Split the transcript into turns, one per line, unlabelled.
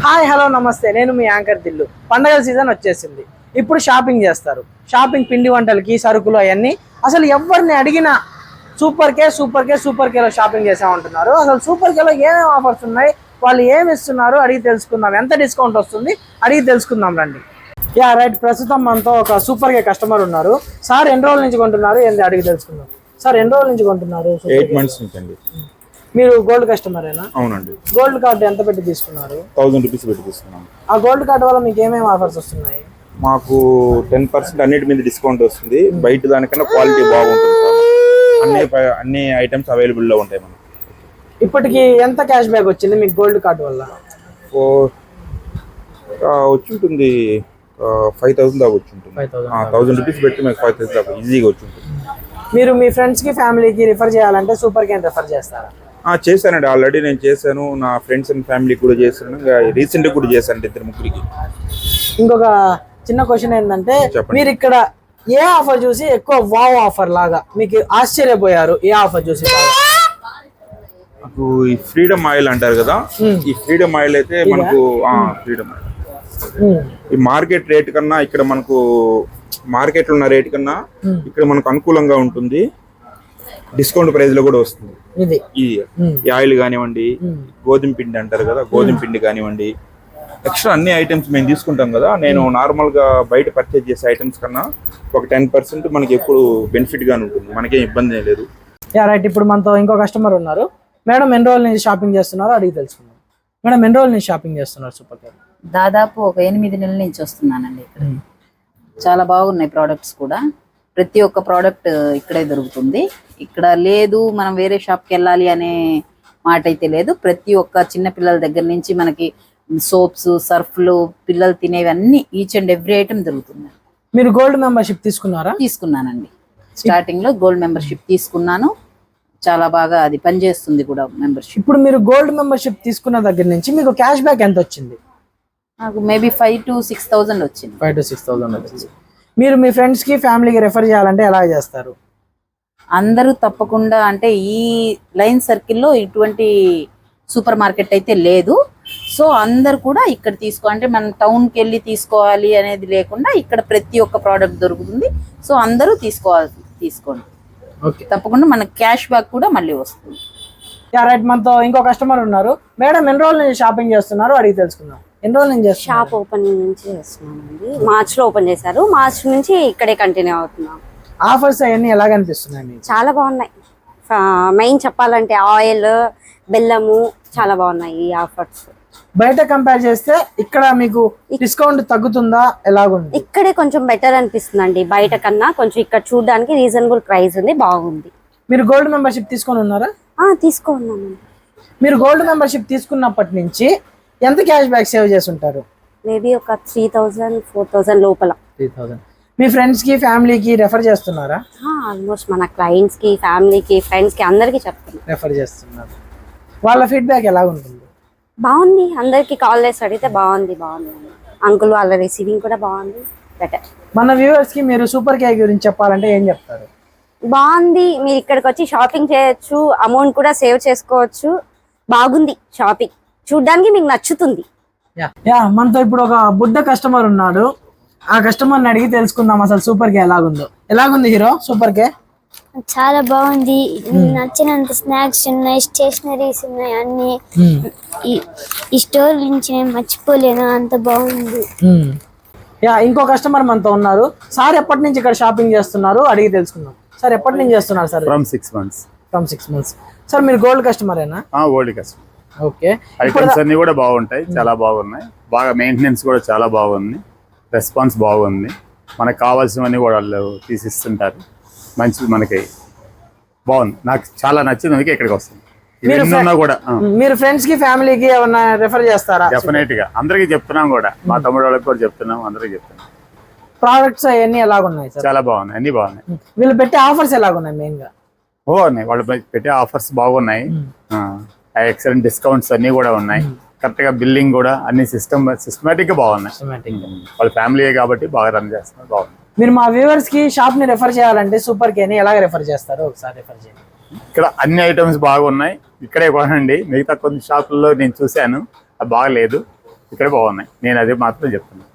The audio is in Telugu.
హాయ్ హలో నమస్తే, నేను మీ యాంకర్ దిల్లు. పండగల సీజన్ వచ్చేసింది. ఇప్పుడు షాపింగ్ చేస్తారు. షాపింగ్ పిండి వంటలకి, సరుకులు అవన్నీ అసలు ఎవరిని అడిగినా సూపర్ కేలో షాపింగ్ చేసామంటున్నారు. అసలు సూపర్ కేలో ఏమేమి ఆఫర్స్ ఉన్నాయి, వాళ్ళు ఏమి ఇస్తున్నారు అడిగి తెలుసుకుందాం. ఎంత డిస్కౌంట్ వస్తుంది అడిగి తెలుసుకుందాం రండి. రైట్, ప్రస్తుతం మనతో ఒక సూపర్ కే కస్టమర్ ఉన్నారు. సార్ ఎన్ని రోజుల నుంచి కొంటున్నారు ఏంటి అడిగి తెలుసుకుందాం. సార్ ఎన్ని రోజుల నుంచి కొంటున్నారు?
8 months నుంచి అండి.
మీరు గోల్డ్ కస్టమరేనా?
అవునండి.
గోల్డ్ కార్డు ఎంత పెట్టి తీసుకున్నారు?
1000 రూపీస్ పెట్టి తీసుకున్నాం.
ఆ గోల్డ్ కార్డు వల్ల మీకు ఏమేమి ఆఫర్స్ వస్తున్నాయి?
మాకు 10% అన్నిటి మీద డిస్కౌంట్ వస్తుంది. బయట దానికన్నా క్వాలిటీ బాగుంటుంది సార్. అన్ని ఐటమ్స్ అవైలబుల్ లో ఉంటాయి మనకి.
ఇప్పటికి ఎంత క్యాష్ బ్యాక్ వచ్చింది మీకు గోల్డ్ కార్డు వల్ల?
వచ్చి ఉంటుంది 5000 దాకా వచ్చి ఉంటుంది. 1000 రూపీస్ పెట్టి మీకు 5000 దాకా ఈజీగా వచ్చి ఉంటుంది.
మీరు మీ ఫ్రెండ్స్ కి ఫ్యామిలీకి రిఫర్ చేయాలంటే సూపర్ కేన్ రిఫర్ చేస్తారా?
చేశానండి, ఆల్రెడీ నేను చేశాను. నా ఫ్రెండ్స్ అండ్ ఫ్యామిలీకి కూడా చేశాను. రీసెంట్ కూడా చేశాను 2-3
ఇంకొక చిన్న క్వశ్చన్ ఏంటంటే, మీరు ఇక్కడ ఏ ఆఫర్ చూసి ఎక్కువ వావ్ ఆఫర్ లాగా మీకు ఆశ్చర్యపోయారు? ఏ ఆఫర్ చూసి?
నాకు ఈ ఫ్రీడమ్ ఆయిల్ అంటారు కదా, ఈ ఫ్రీడమ్ ఆయిల్ అయితే మనకు ఫ్రీడమ్ ఆయిల్ ఈ మార్కెట్ రేట్ కన్నా ఇక్కడ మనకు మార్కెట్ లో ఉన్న రేట్ కన్నా ఇక్కడ మనకు అనుకూలంగా ఉంటుంది. డిస్కౌంట్ ప్రైస్ లో కూడా వస్తుంది. ఈ ఆయిల్ కానివ్వండి, గోధుమ పిండి అంటారు కదా, గోధుమ పిండి కానివ్వండి, ఎక్స్ట్రా అన్ని ఐటమ్స్ మేము తీసుకుంటాం కదా. నేను నార్మల్ గా బయట పర్చేజ్ చేసే ఐటమ్స్ కన్నా ఒక 10% మనకి ఎప్పుడు బెనిఫిట్ గానే ఉంటుంది. మనకేం ఇబ్బంది లేదు.
రైట్, ఇప్పుడు మనతో ఇంకో కస్టమర్ ఉన్నారు. మేడం ఎన్ని రోజుల నుంచి షాపింగ్ చేస్తున్నారో అడిగి తెలుసుకుందాం. మేడం ఎన్ని రోజుల నుంచి షాపింగ్ చేస్తున్నారు సూపర్ కేర్?
దాదాపు ఒక 8 నెలల నుంచి వస్తున్నానండి. ఇక్కడ చాలా బాగున్నాయి ప్రోడక్ట్స్ కూడా. ప్రతి ఒక్క ప్రోడక్ట్ ఇక్కడే దొరుకుతుంది. ఇక్కడ లేదు మనం వేరే షాప్కి వెళ్ళాలి అనే మాట అయితే లేదు. ప్రతి ఒక్క చిన్న పిల్లల దగ్గర నుంచి మనకి సోప్స్, సర్ఫ్లు, పిల్లలు తినేవి అన్ని ఈచ్ అండ్ ఎవ్రీ ఐటమ్ దొరుకుతుంది.
మీరు గోల్డ్ మెంబర్షిప్ తీసుకున్నారా?
తీసుకున్నానండి. స్టార్టింగ్ లో గోల్డ్ మెంబర్షిప్ తీసుకున్నాను. చాలా బాగా అది పనిచేస్తుంది కూడా మెంబర్షిప్.
ఇప్పుడు మీరు గోల్డ్ మెంబర్షిప్ తీసుకున్న దగ్గర నుంచి మీకు క్యాష్ బ్యాక్ ఎంత వచ్చింది?
నాకు మేబీ 5,000 to 6,000 వచ్చింది.
5,000 to 6,000 వచ్చింది. మీరు మీ ఫ్రెండ్స్ కి ఫ్యామిలీకి రెఫర్ చేయాలంటే ఎలా చేస్తారు?
అందరూ తప్పకుండా, అంటే ఈ లైన్ సర్కిల్లో ఇటువంటి సూపర్ మార్కెట్ అయితే లేదు. సో అందరు కూడా ఇక్కడ అంటే మనం టౌన్కి వెళ్ళి తీసుకోవాలి అనేది లేకుండా ఇక్కడ ప్రతి ఒక్క ప్రోడక్ట్ దొరుకుతుంది. సో అందరూ తీసుకోండి.
ఓకే,
తప్పకుండా మనకి క్యాష్ బ్యాక్ కూడా మళ్ళీ వస్తుంది.
రైట్, మనతో ఇంకో కస్టమర్ ఉన్నారు. మేడం ఎన్ని రోజుల నుంచి షాపింగ్ చేస్తున్నారు అడిగి తెలుసుకుందాం. ఎన్ని రోజుల నుంచి చేస్తున్నారు?
షాప్ ఓపెనింగ్ నుంచి చేస్తున్నామండి. మార్చ్ లో ఓపెన్ చేశారు. మార్చ్ నుంచి ఇక్కడే కంటిన్యూ అవుతున్నాం.
ఆఫర్స్ అవన్నీ ఎలా కనిపిస్తున్నాయి?
చాలా బాగున్నాయి. మెయిన్ చెప్పాలంటే ఆయిల్, బెల్లము చాలా బాగున్నాయి ఈ ఆఫర్స్.
బయట కంపేర్ చేస్తే ఇక్కడ మీకు డిస్కౌంట్ తగ్గుతుందా? ఎలాగుంది?
ఇక్కడే కొంచెం బెటర్ అనిపిస్తుందండి. బయట కన్నా కొంచెం ఇక్కడ చూడడానికి రీజనబుల్ ప్రైస్ ఉంది, బాగుంది.
మీరు గోల్డ్ మెంబర్షిప్ తీసుకొని ఉన్నారా?
తీసుకున్నాను.
మీరు గోల్డ్ మెంబర్షిప్ తీసుకున్నప్పటి నుంచి ఎంత క్యాష్ బ్యాక్ సేవ్ చేసి ఉంటారు?
మేబీ ఒక 3,000 4,000 లోపల.
3,000. మీ ఫ్రెండ్స్ కి ఫ్యామిలీకి రెఫర్ చేస్తున్నారా?
ఆల్మోస్ట్ మన క్లయింట్స్ కి, ఫ్యామిలీకి, ఫ్రెండ్స్ కి అందరికి చెప్తున్నాం.
రెఫర్ చేస్తున్నారు. వాళ్ళ ఫీడ్బ్యాక్ ఎలా ఉంటుంది?
బాగుంది. అందరికి కాల్ చేసి అడిగితే బాగుంది అంకుల్ వాళ్ళ రిసీవింగ్ కూడా బాగుంది, బెటర్.
మన వ్యూవర్స్ కి మీరు సూపర్ కేక్ గురించి చెప్పాలంటే ఏం చెప్తారు?
బాగుంది. మీరు ఇక్కడికి వచ్చి షాపింగ్ చేయొచ్చు, అమౌంట్ కూడా సేవ్ చేసుకోవచ్చు. బాగుంది షాపింగ్, చూడ్డానికి మీకు నచ్చుతుంది.
మనతో ఇప్పుడు ఒక బుడ్డ కస్టమర్ ఉన్నాడు. ఆ కస్టమర్ని అడిగి తెలుసుకుందాం అసలు సూపర్ కే ఎలాగుంది హీరో సూపర్ కే?
చాలా బాగుంది. నచ్చినంత స్నాక్స్ ఉన్నాయి, స్టేషనరీస్ ఉన్నాయి, అన్ని ఈ స్టోర్ నుంచి నేను మర్చిపోలేను, అంత బాగుంది.
ఇంకో కస్టమర్ మనతో ఉన్నారు. సార్ ఎప్పటి నుంచి ఇక్కడ షాపింగ్ చేస్తున్నారు అడిగి తెలుసుకుందాం. సార్ ఎప్పటి నుంచి చేస్తున్నారు? Sir
from 6 months.
From 6 months. Sir మీరు గోల్డ్ కస్టమరేనా?
Gold customer.
ఓకే,
ఐటమ్స్ అన్ని కూడా బాగుంటాయి, చాలా బాగున్నాయి. బాగా మెయింటెనెన్స్ కూడా చాలా బాగుంది, రెస్పాన్స్ బాగుంది. మనకు కావాల్సినవన్నీ కూడా వాళ్ళు తీసిస్తుంటారు. మంచి మనకి బాగుంది, నాకు చాలా నచ్చింది, అందుకే ఇక్కడికి వస్తుంది.
మీరు ఫ్రెండ్స్ కి ఫ్యామిలీకి ఏమన్నా రెఫర్ చేస్తారా?
డెఫినెట్ గా అందరికి చెప్తున్నాం కూడా, మా తమ్ముడు వాళ్ళకి కూడా చెప్తున్నాం, అందరికి చెప్తున్నాం.
ప్రోడక్ట్స్ అవన్నీ ఎలాగున్నాయి?
చాలా బాగున్నాయి, అన్ని బాగున్నాయి.
వీళ్ళు పెట్టే ఆఫర్స్ ఎలాగున్నాయి? మెయిన్ గా
బాగున్నాయి, వాళ్ళు పెట్టే ఆఫర్స్ బాగున్నాయి. ఎక్సలెంట్ డిస్కౌంట్స్ అన్ని కూడా ఉన్నాయి. కరెక్ట్ గా బిల్లింగ్ కూడా అన్ని సిస్టమేటిక్ గా బాగున్నాయి. వాళ్ళ ఫ్యామిలీ కాబట్టి బాగా రన్ చేస్తున్నారు, బాగుంది.
మీరు మా వ్యూవర్స్ కి షాప్ ని రెఫర్ చేయాలంటే సూపర్ కేని ఎలాగ రెఫర్ చేస్తారు ఒకసారి రెఫర్ చేయండి.
ఇక్కడ అన్ని ఐటమ్స్ బాగున్నాయి, ఇక్కడే కొనండి. మిగతా కొన్ని షాపుల్లో నేను చూశాను, అది బాగలేదు. ఇక్కడ బాగున్నాయి. నేను అదే మాత్రం చెప్తున్నాను.